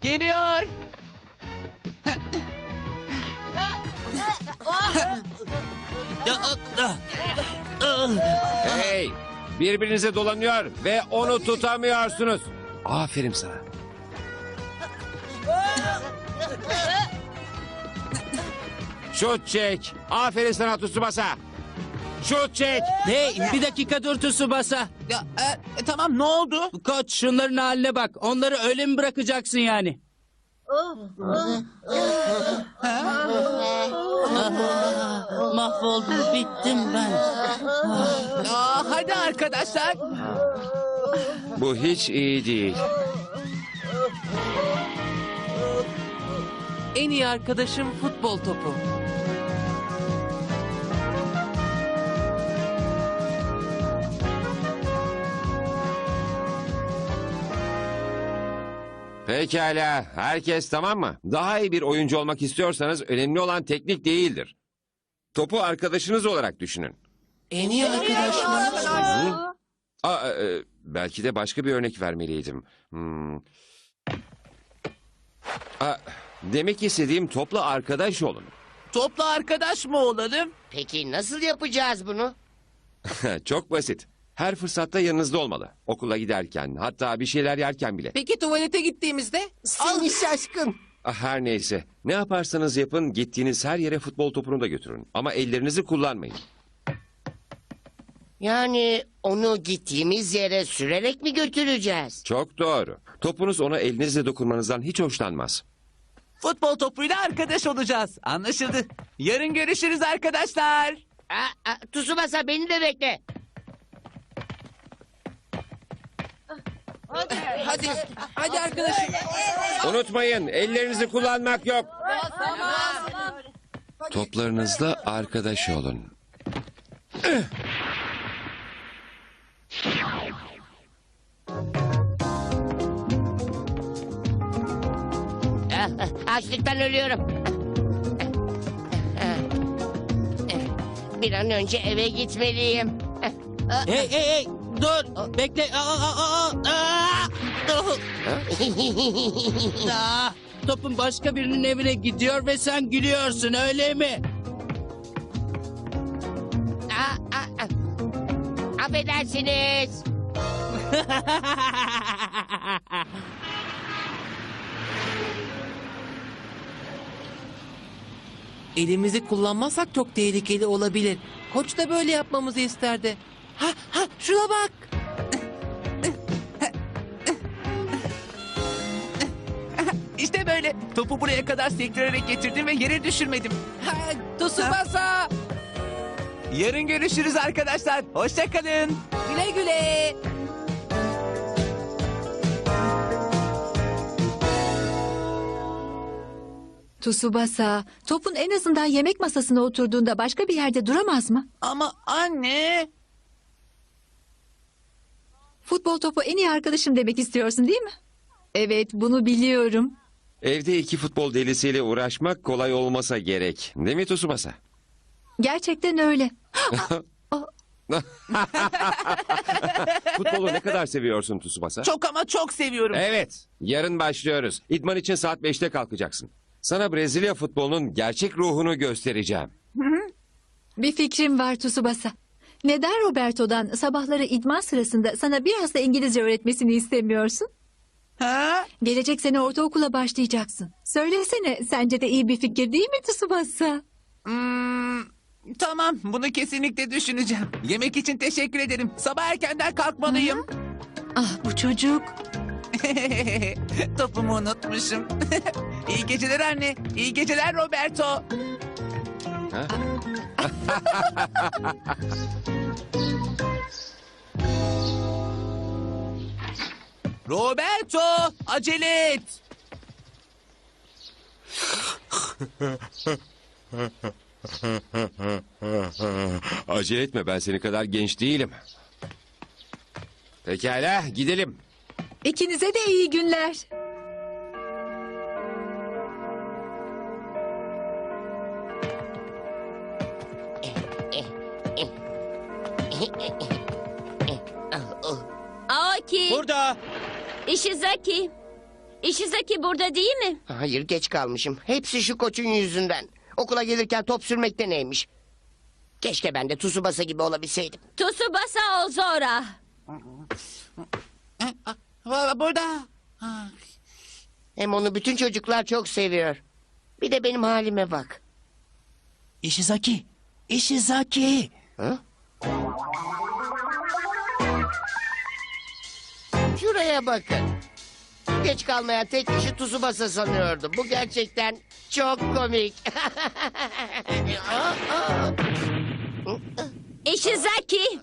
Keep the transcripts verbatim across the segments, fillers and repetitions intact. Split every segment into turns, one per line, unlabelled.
Geliyor.
Hey! Birbirinize dolanıyor ve onu tutamıyorsunuz. Aferin sana. Şut çek. Aferin sana Tsubasa. Şut çek.
Hey bir dakika dur Tsubasa.
Ya, e, e, tamam ne oldu?
Koç şunların haline bak. Onları öyle mi bırakacaksın yani? Mahvoldum, bittim ben.
Aa, hadi arkadaşlar.
Bu hiç iyi değil.
En iyi arkadaşım futbol topu.
Pekala. Herkes tamam mı? Daha iyi bir oyuncu olmak istiyorsanız önemli olan teknik değildir. Topu arkadaşınız olarak düşünün.
En iyi arkadaşım.
Aa, e, belki de başka bir örnek vermeliydim. Hmm. Aa, demek istediğim topla arkadaş olun.
Topla arkadaş mı olalım?
Peki nasıl yapacağız bunu?
Çok basit. Her fırsatta yanınızda olmalı. Okula giderken, hatta bir şeyler yerken bile.
Peki tuvalete gittiğimizde?
Seni şaşkın.
Ah, her neyse. Ne yaparsanız yapın, gittiğiniz her yere futbol topunu da götürün. Ama ellerinizi kullanmayın.
Yani onu gittiğimiz yere sürerek mi götüreceğiz?
Çok doğru. Topunuz ona elinizle dokunmanızdan hiç hoşlanmaz.
Futbol topuyla arkadaş olacağız. Anlaşıldı. Yarın görüşürüz arkadaşlar.
Aa, aa, Tsubasa beni de bekle.
Hadi. Hadi arkadaşım.
Unutmayın, ellerinizi kullanmak yok. Toplarınızla arkadaş olun.
Ah, ah, Açlıktan ölüyorum. Bir an önce eve gitmeliyim.
Hey hey hey dur bekle. Aa, aa, aa, aa. Aa, topun başka birinin evine gidiyor ve sen gülüyorsun öyle mi?
Aa, aa, aa. Affedersiniz.
Elimizi kullanmazsak çok tehlikeli olabilir. Koç da böyle yapmamızı isterdi. Ha ha şuna bak. İşte böyle. Topu buraya kadar sektirerek getirdim ve yere düşürmedim. Ha, Tsubasa. Yarın görüşürüz arkadaşlar. Hoşça kalın. Güle güle.
Tsubasa, topun en azından yemek masasına oturduğunda başka bir yerde duramaz mı?
Ama anne.
Futbol topu en iyi arkadaşım demek istiyorsun değil mi? Evet, bunu biliyorum.
Evde iki futbol delisiyle uğraşmak kolay olmasa gerek. Değil mi Tsubasa?
Gerçekten öyle.
Futbolu ne kadar seviyorsun Tsubasa?
Çok ama çok seviyorum.
Evet, yarın başlıyoruz. İdman için saat beşte kalkacaksın. Sana Brezilya futbolunun gerçek ruhunu göstereceğim.
Bir fikrim var Tsubasa. Neden Roberto'dan sabahları idman sırasında sana biraz da İngilizce öğretmesini istemiyorsun?
Ha?
Gelecek sene ortaokula başlayacaksın. Söylesene, sence de iyi bir fikir değil mi Tsubasa?
Hmm, tamam, bunu kesinlikle düşüneceğim. Yemek için teşekkür ederim. Sabah erkenden kalkmalıyım.
Ah bu çocuk.
Topumu unutmuşum. İyi geceler anne. İyi geceler Roberto.
Ha?
Roberto, acele et.
Acele etme, ben senin kadar genç değilim. Pekala, gidelim.
İkinize de iyi günler.
Aoki,
Burada.
Ishizaki. Ishizaki burada değil mi?
Hayır, geç kalmışım. Hepsi şu koçun yüzünden. Okula gelirken top sürmekte neymiş? Keşke ben de Tsubasa gibi olabilseydim.
Tsubasa Ozora.
Burada.
Hem onu bütün çocuklar çok seviyor. Bir de benim halime bak.
Ishizaki. Ishizaki.
Ha? Şuraya bakın. Geç kalmayan tek kişi Tsubasa sanıyordum. Bu gerçekten çok komik.
Ishizaki.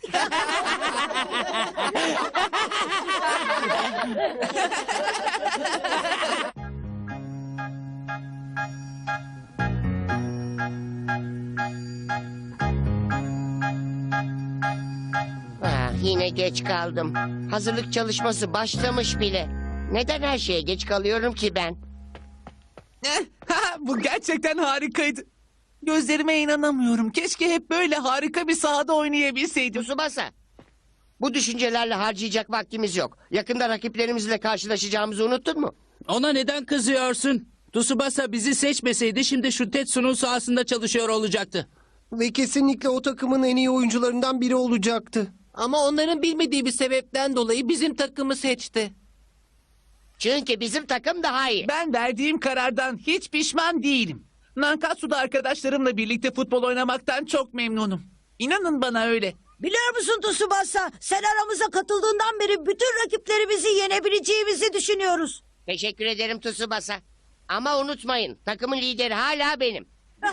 Ah, yine geç kaldım. Hazırlık çalışması başlamış bile. Neden her şeye geç kalıyorum ki ben?
Eh, ha, Bu gerçekten harikaydı. Gözlerime inanamıyorum. Keşke hep böyle harika bir sahada oynayabilseydim.
Tsubasa. Bu düşüncelerle harcayacak vaktimiz yok. Yakında rakiplerimizle karşılaşacağımızı unuttun mu?
Ona neden kızıyorsun? Tsubasa bizi seçmeseydi şimdi şu Tetsu'nun sahasında çalışıyor olacaktı.
Ve kesinlikle o takımın en iyi oyuncularından biri olacaktı.
Ama onların bilmediği bir sebepten dolayı bizim takımı seçti.
Çünkü bizim takım daha iyi.
Ben verdiğim karardan hiç pişman değilim. Nankatsu'da arkadaşlarımla birlikte futbol oynamaktan çok memnunum. İnanın bana öyle.
Biliyor musun Tsubasa? Sen aramıza katıldığından beri bütün rakiplerimizi yenebileceğimizi düşünüyoruz.
Teşekkür ederim Tsubasa. Ama unutmayın, takımın lideri hala benim.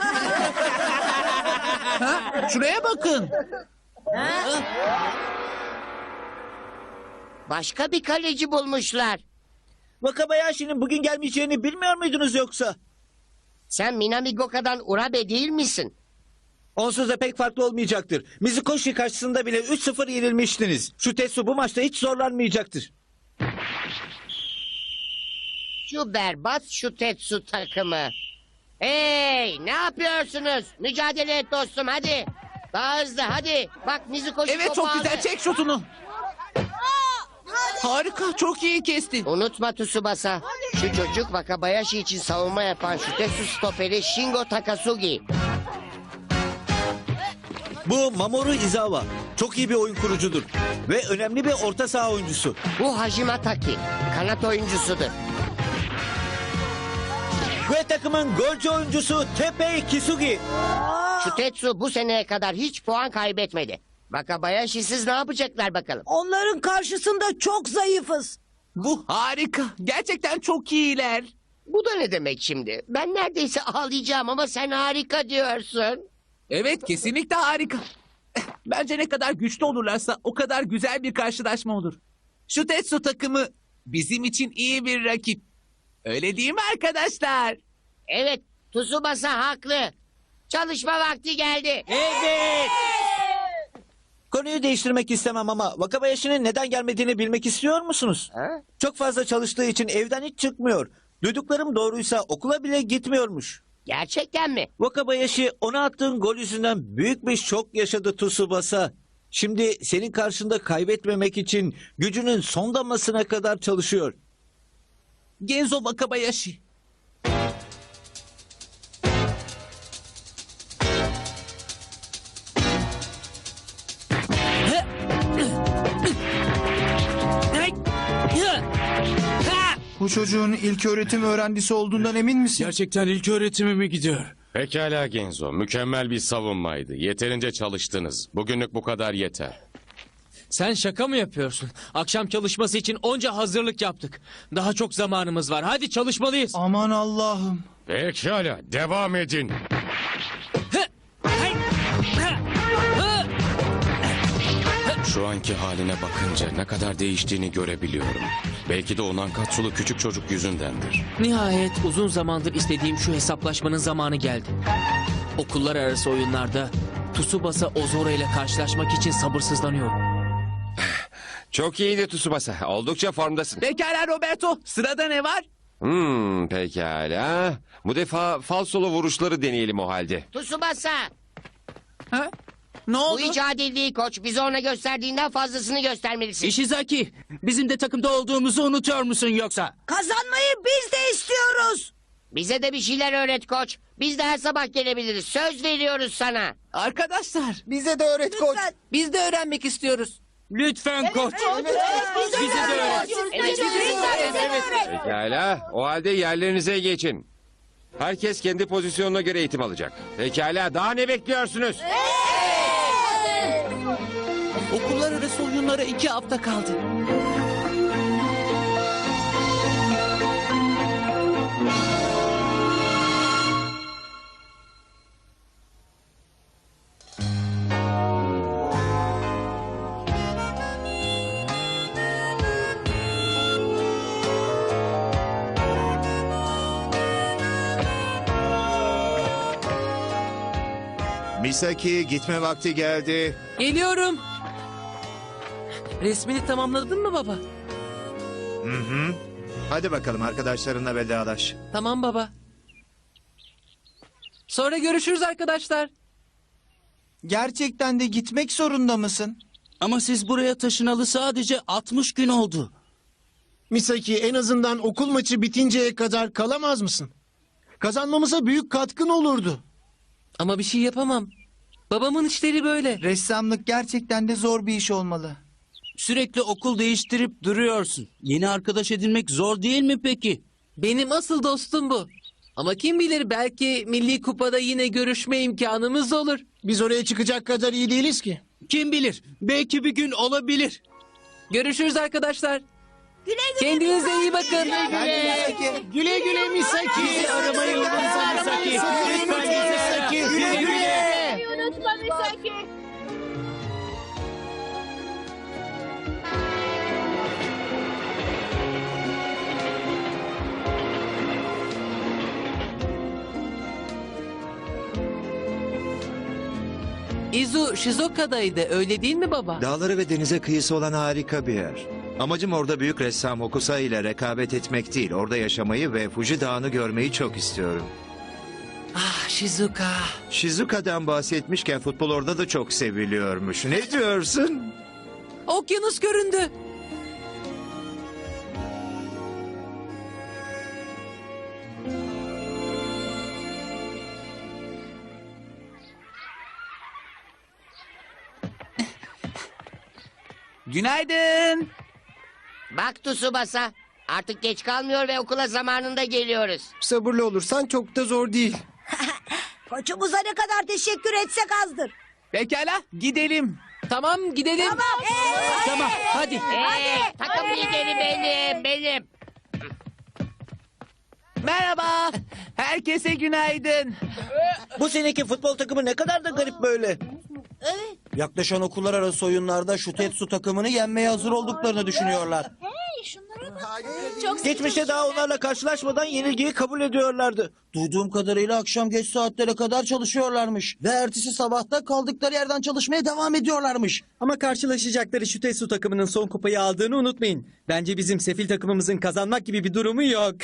Ha? Şuraya bakın.
Başka bir kaleci bulmuşlar.
Wakabayashi'nin bugün gelmeyeceğini bilmiyor muydunuz yoksa?
Sen Minami Goka'dan Urabe değil misin?
Onsuz da pek farklı olmayacaktır. Mizukoshi karşısında bile üç sıfır yenilmiştiniz. Şu Tetsu bu maçta hiç zorlanmayacaktır.
Şu berbat şu Tetsu takımı. Hey, ne yapıyorsunuz? Mücadele et dostum, hadi. Daha hızlı, hadi. Bak Mizukoshi
Evet,
topu
çok
aldı.
güzel. Çek şutunu. Harika. Çok iyi kestin.
Unutma Tsubasa. Şu çocuk Wakabayashi için savunma yapan şu Tetsu stoperi Shingo Takasugi.
Bu Mamoru Izawa. Çok iyi bir oyun kurucudur. Ve önemli bir orta saha oyuncusu.
Bu Hajime Taki. Kanat oyuncusudur.
Ve takımın golcü oyuncusu Teppei Kisugi.
Şu Tetsu bu seneye kadar hiç puan kaybetmedi. Wakabayashi'siz ne yapacaklar bakalım?
Onların karşısında çok zayıfız.
Bu harika. Gerçekten çok iyiler.
Bu da ne demek şimdi? Ben neredeyse ağlayacağım ama sen harika diyorsun.
Evet, kesinlikle harika. Bence ne kadar güçlü olurlarsa o kadar güzel bir karşılaşma olur. Şu Tetsu takımı bizim için iyi bir rakip. Öyle değil mi arkadaşlar?
Evet, Tsubasa haklı. Çalışma vakti geldi.
Evet. Konuyu değiştirmek istemem ama Wakabayashi'nin neden gelmediğini bilmek istiyor musunuz?
Ha?
Çok fazla çalıştığı için evden hiç çıkmıyor. Duyduklarım doğruysa okula bile gitmiyormuş.
Gerçekten mi?
Wakabayashi ona attığın gol yüzünden büyük bir şok yaşadı Tsubasa. Şimdi senin karşında kaybetmemek için gücünün son damlasına kadar çalışıyor.
Genzo Wakabayashi.
Bu çocuğun ilk öğretim öğrencisi olduğundan emin misin?
Gerçekten ilk öğretime mi gidiyor?
Pekala Genzo, mükemmel bir savunmaydı. Yeterince çalıştınız. Bugünlük bu kadar yeter.
Sen şaka mı yapıyorsun? Akşam çalışması için onca hazırlık yaptık. Daha çok zamanımız var. Hadi çalışmalıyız.
Aman Allah'ım.
Pekala, devam edin. Şu anki haline bakınca ne kadar değiştiğini görebiliyorum. Belki de o Nankatsulu küçük çocuk yüzündendir.
Nihayet uzun zamandır istediğim şu hesaplaşmanın zamanı geldi. Okullar arası oyunlarda Tsubasa Ozora ile karşılaşmak için sabırsızlanıyorum.
Çok iyiydi Tsubasa. Oldukça formdasın.
Pekala Roberto. Sırada ne var?
Hmm, pekala. Bu defa falsolu vuruşları deneyelim o halde.
Tsubasa.
Ha?
Ne
Bu
oldu?
hiç adil değil koç. Bize ona gösterdiğinden fazlasını göstermelisin.
Ishizaki, bizim de takımda olduğumuzu unutuyor musun yoksa?
Kazanmayı biz de istiyoruz.
Bize de bir şeyler öğret koç. Biz de her sabah gelebiliriz. Söz veriyoruz sana.
Arkadaşlar.
Bize de öğret koç.
Lütfen.
Biz de öğrenmek istiyoruz.
Lütfen koç.
Bize de öğret.
Evet,
Evet.
Pekala, o halde yerlerinize geçin. Herkes kendi pozisyonuna göre eğitim alacak. Pekala, daha ne bekliyorsunuz?
Okullar arası oyunlara iki hafta kaldı.
Misaki, gitme vakti geldi.
Geliyorum. Resmini tamamladın mı baba?
Hı hı. Hadi bakalım arkadaşlarınla vedalaş.
Tamam baba. Sonra görüşürüz arkadaşlar.
Gerçekten de gitmek zorunda mısın?
Ama siz buraya taşınalı sadece altmış gün oldu.
Misaki, en azından okul maçı bitinceye kadar kalamaz mısın? Kazanmamıza büyük katkın olurdu.
Ama bir şey yapamam. Babamın işleri böyle.
Ressamlık gerçekten de zor bir iş olmalı.
Sürekli okul değiştirip duruyorsun. Yeni arkadaş edinmek zor değil mi peki? Benim asıl dostum bu. Ama kim bilir, belki Milli Kupa'da yine görüşme imkanımız olur.
Biz oraya çıkacak kadar iyi değiliz ki.
Kim bilir, belki bir gün olabilir. Görüşürüz arkadaşlar.
Güle güle.
Kendinize iyi bakın.
Güle güle Misaki. Bizi aramayı unutma Misaki. Lütfen Misaki. Güle güle.
Unutma Misaki.
Izu Shizoka'daydı, öyle değil mi baba?
Dağları ve denize kıyısı olan harika bir yer. Amacım orada büyük ressam Hokusai ile rekabet etmek değil. Orada yaşamayı ve Fuji Dağı'nı görmeyi çok istiyorum.
Ah Shizuka.
Shizuka'dan bahsetmişken futbol orada da çok seviliyormuş. Ne diyorsun?
Okyanus göründü.
Günaydın.
Bak Tsubasa. Artık geç kalmıyor ve okula zamanında geliyoruz.
Sabırlı olursan çok da zor değil.
Koçumuza ne kadar teşekkür etsek azdır.
Pekala gidelim.
Tamam gidelim.
Tamam.
Tamam hadi.
Hey, takım lideri benim, benim.
Merhaba. Herkese günaydın.
Bu seneki futbol takımı ne kadar da garip böyle.
Yaklaşan okullar arası oyunlarda şu Tetsu takımını yenmeye hazır olduklarını düşünüyorlar.
Geçmişte daha onlarla karşılaşmadan yenilgiyi kabul ediyorlardı.
Duyduğum kadarıyla akşam geç saatlere kadar çalışıyorlarmış. Ve ertesi sabahta kaldıkları yerden çalışmaya devam ediyorlarmış.
Ama karşılaşacakları şu Tetsu takımının son kupayı aldığını unutmayın. Bence bizim sefil takımımızın kazanmak gibi bir durumu yok.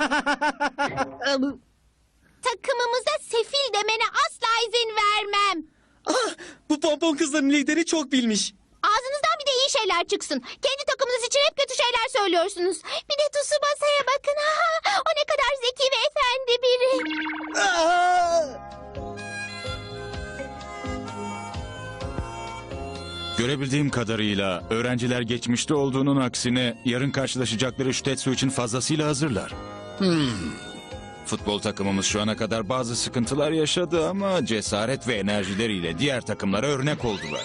Takımımıza sefil demene asla izin vermem.
Ah, bu pompon kızların lideri çok bilmiş.
Ağzınızdan bir de iyi şeyler çıksın. Kendi takımınız için hep kötü şeyler söylüyorsunuz. Bir de Tsubasa'ya bakın. Ha, o ne kadar zeki ve efendi biri.
Görebildiğim kadarıyla öğrenciler geçmişte olduğunun aksine yarın karşılaşacakları şu Tetsu için fazlasıyla hazırlar. Hmm. Futbol takımımız şu ana kadar bazı sıkıntılar yaşadı ama cesaret ve enerjileriyle diğer takımlara örnek oldular.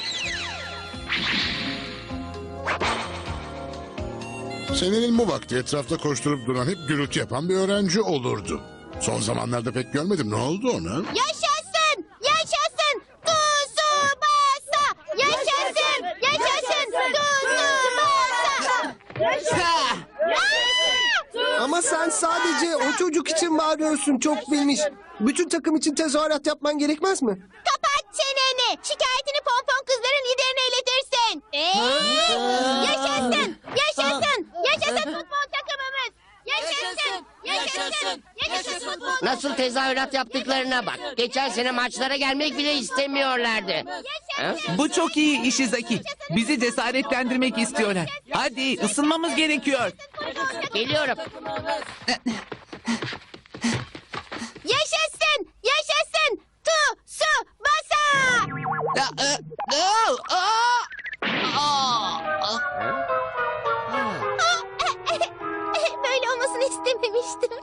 Senenin bu vakti etrafta koşturup duran hep gürültü yapan bir öğrenci olurdu. Son zamanlarda pek görmedim. Ne oldu ona?
Yaşasın! Yaşasın! Tsubasa! Yaşasın! Yaşasın! Tsubasa!
Ha! Ama sen sadece o çocuk için bağırıyorsun, çok bilmiş. Bütün takım için tezahürat yapman gerekmez mi?
Kapat çeneni! Şikayetini pompon kızların liderine iletirsin. Ee, yaşasın! Yaşasın! Yaşasın futbol takımımız! Yaşasın! Yaşasın! Yaşasın
Nasıl tezahürat yaptıklarına bak. Geçen sene maçlara gelmek bile istemiyorlardı. Ha?
Bu çok iyi Ishizaki. Bizi cesaretlendirmek istiyorlar. Hadi ısınmamız gerekiyor.
Geliyorum.
Yaşasın! Yaşasın! Tu, su, basa!
Ya, e, aa, aa, aa.
Böyle olmasını istememiştim.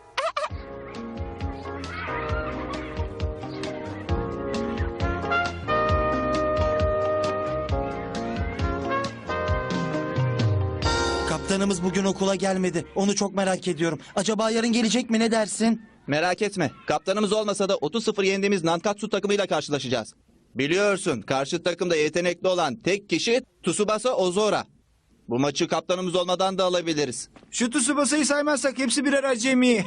Kaptanımız bugün okula gelmedi. Onu çok merak ediyorum. Acaba yarın gelecek mi, ne dersin?
Merak etme. Kaptanımız olmasa da otuz sıfır yendiğimiz Nankatsu takımıyla karşılaşacağız. Biliyorsun karşı takımda yetenekli olan tek kişi Tsubasa Ozora. Bu maçı kaptanımız olmadan da alabiliriz.
Şu Tsubasa'yı saymazsak hepsi birer acemi.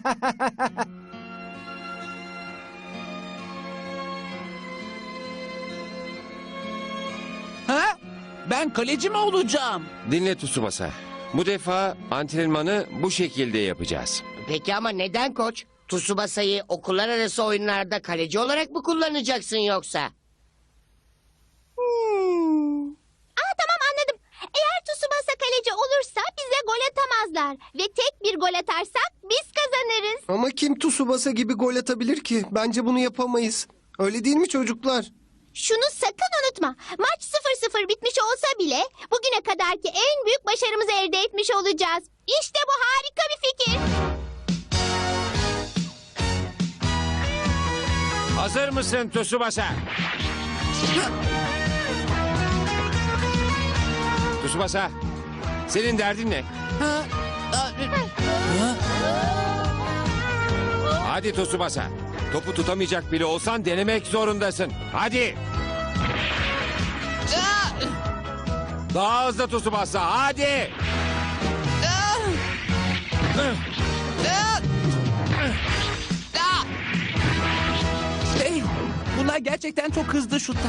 Ha? Ben kaleci mi olacağım?
Dinle Tsubasa. Bu defa antrenmanı bu şekilde yapacağız.
Peki ama neden koç? Tsubasa'yı okullar arası oyunlarda kaleci olarak mı kullanacaksın yoksa?
Hmm. Aa, tamam anladım. Eğer Tsubasa kaleci olursa bize gol atamazlar. Ve tek bir gol atarsak biz kazanırız.
Ama kim Tsubasa gibi gol atabilir ki? Bence bunu yapamayız. Öyle değil mi çocuklar?
Şunu sakın unutma. Maç sıfır sıfır bitmiş olsa bile bugüne kadarki en büyük başarımızı elde etmiş olacağız. İşte bu harika bir fikir.
Hazır mısın Tsubasa? Tsubasa, senin derdin ne? Hadi Tsubasa. Topu tutamayacak bile olsan denemek zorundasın. Hadi. Daha hızlı Tsubasa, hadi.
Hey, bunlar gerçekten çok hızlı şutlar.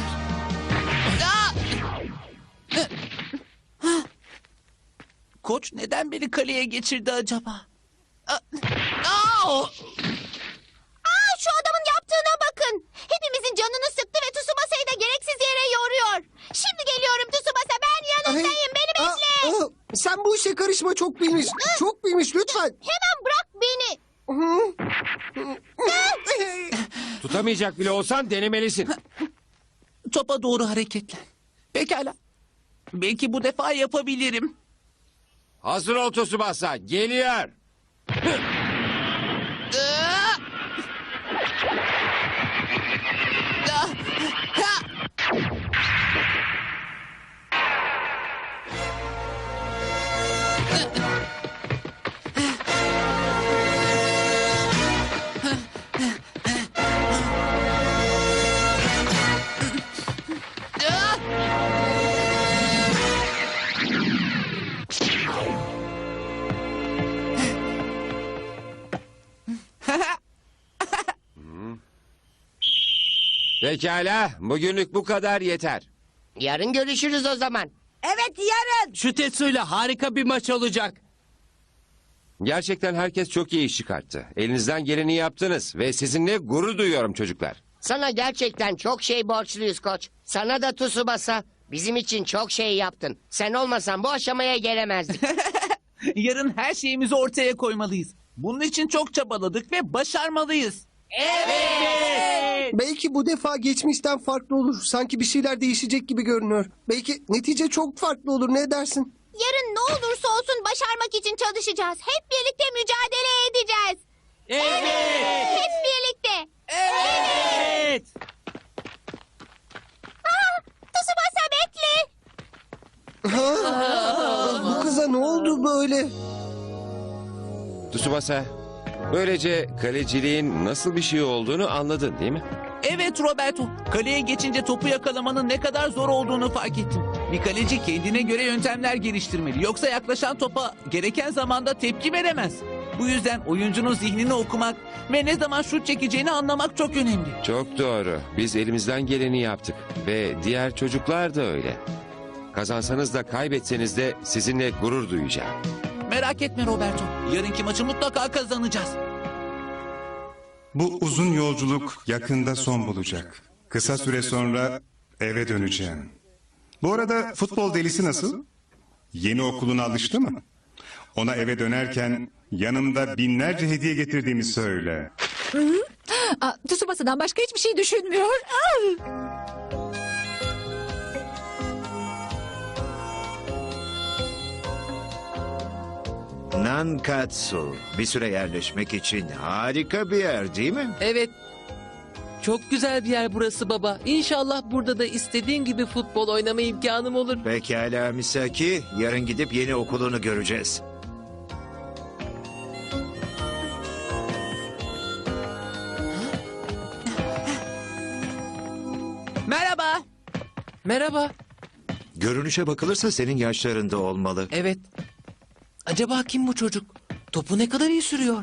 Koç neden beni kaleye geçirdi acaba?
Aa, şu adamın yaptığına bakın. Hepimizin canını sıktı ve Tsubasa'yı da gereksiz yere yoruyor. Şimdi geliyorum Tsubasa, ben yanındayım. Beni bekle.
Aa, aa, sen bu işe karışma, çok bilmiş. Çok bilmiş lütfen.
Hemen bırak beni.
Tutamayacak bile olsan denemelisin.
Topa doğru hareketlen. Pekala. Belki bu defa yapabilirim.
Hazır ol Tsubasa, geliyor. Pekala, bugünlük bu kadar yeter.
Yarın görüşürüz o zaman.
Evet, yarın.
Şu Tetsu'yla harika bir maç olacak.
Gerçekten herkes çok iyi iş çıkarttı. Elinizden geleni yaptınız ve sizinle gurur duyuyorum çocuklar.
Sana gerçekten çok şey borçluyuz koç. Sana da Tsubasa. Bizim için çok şey yaptın. Sen olmasan bu aşamaya gelemezdik.
Yarın her şeyimizi ortaya koymalıyız. Bunun için çok çabaladık ve başarmalıyız.
Evet.
Belki bu defa geçmişten farklı olur. Sanki bir şeyler değişecek gibi görünüyor. Belki netice çok farklı olur, ne dersin?
Yarın ne olursa olsun başarmak için çalışacağız. Hep birlikte mücadele edeceğiz.
Evet.
Hep birlikte.
Evet.
Aa, Tsubasa bekle.
Ha? Bu kıza ne oldu böyle?
Tsubasa, böylece kaleciliğin nasıl bir şey olduğunu anladın değil mi?
Evet Roberto. Kaleye geçince topu yakalamanın ne kadar zor olduğunu fark ettim. Bir kaleci kendine göre yöntemler geliştirmeli. Yoksa yaklaşan topa gereken zamanda tepki veremez. Bu yüzden oyuncunun zihnini okumak ve ne zaman şut çekeceğini anlamak çok önemli.
Çok doğru. Biz elimizden geleni yaptık. Ve diğer çocuklar da öyle. Kazansanız da kaybetseniz de sizinle gurur duyacağım.
Merak etme Roberto. Yarınki maçı mutlaka kazanacağız.
Bu uzun yolculuk yakında son bulacak. Kısa süre sonra eve döneceğim. Bu arada futbol delisi nasıl? Yeni okuluna alıştı mı? Ona eve dönerken yanımda binlerce hediye getirdiğimi söyle.
Aa, Tsubasa'dan başka hiçbir şey düşünmüyor. Aa!
Nankatsu bir süre yerleşmek için harika bir yer değil mi?
Evet. Çok güzel bir yer burası baba. İnşallah burada da istediğim gibi futbol oynama imkanım olur.
Pekala Misaki, yarın gidip yeni okulunu göreceğiz.
Merhaba. Merhaba.
Görünüşe bakılırsa senin yaşlarında olmalı.
Evet. Acaba kim bu çocuk? Topu ne kadar iyi sürüyor?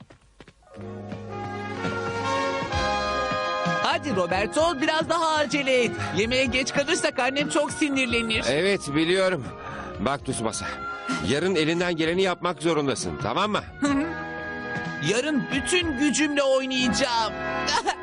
Hadi Roberto biraz daha acele et. Yemeğe geç kalırsak annem çok sinirlenir.
Evet biliyorum. Bak Tsubasa. Yarın elinden geleni yapmak zorundasın tamam mı?
Yarın bütün gücümle oynayacağım.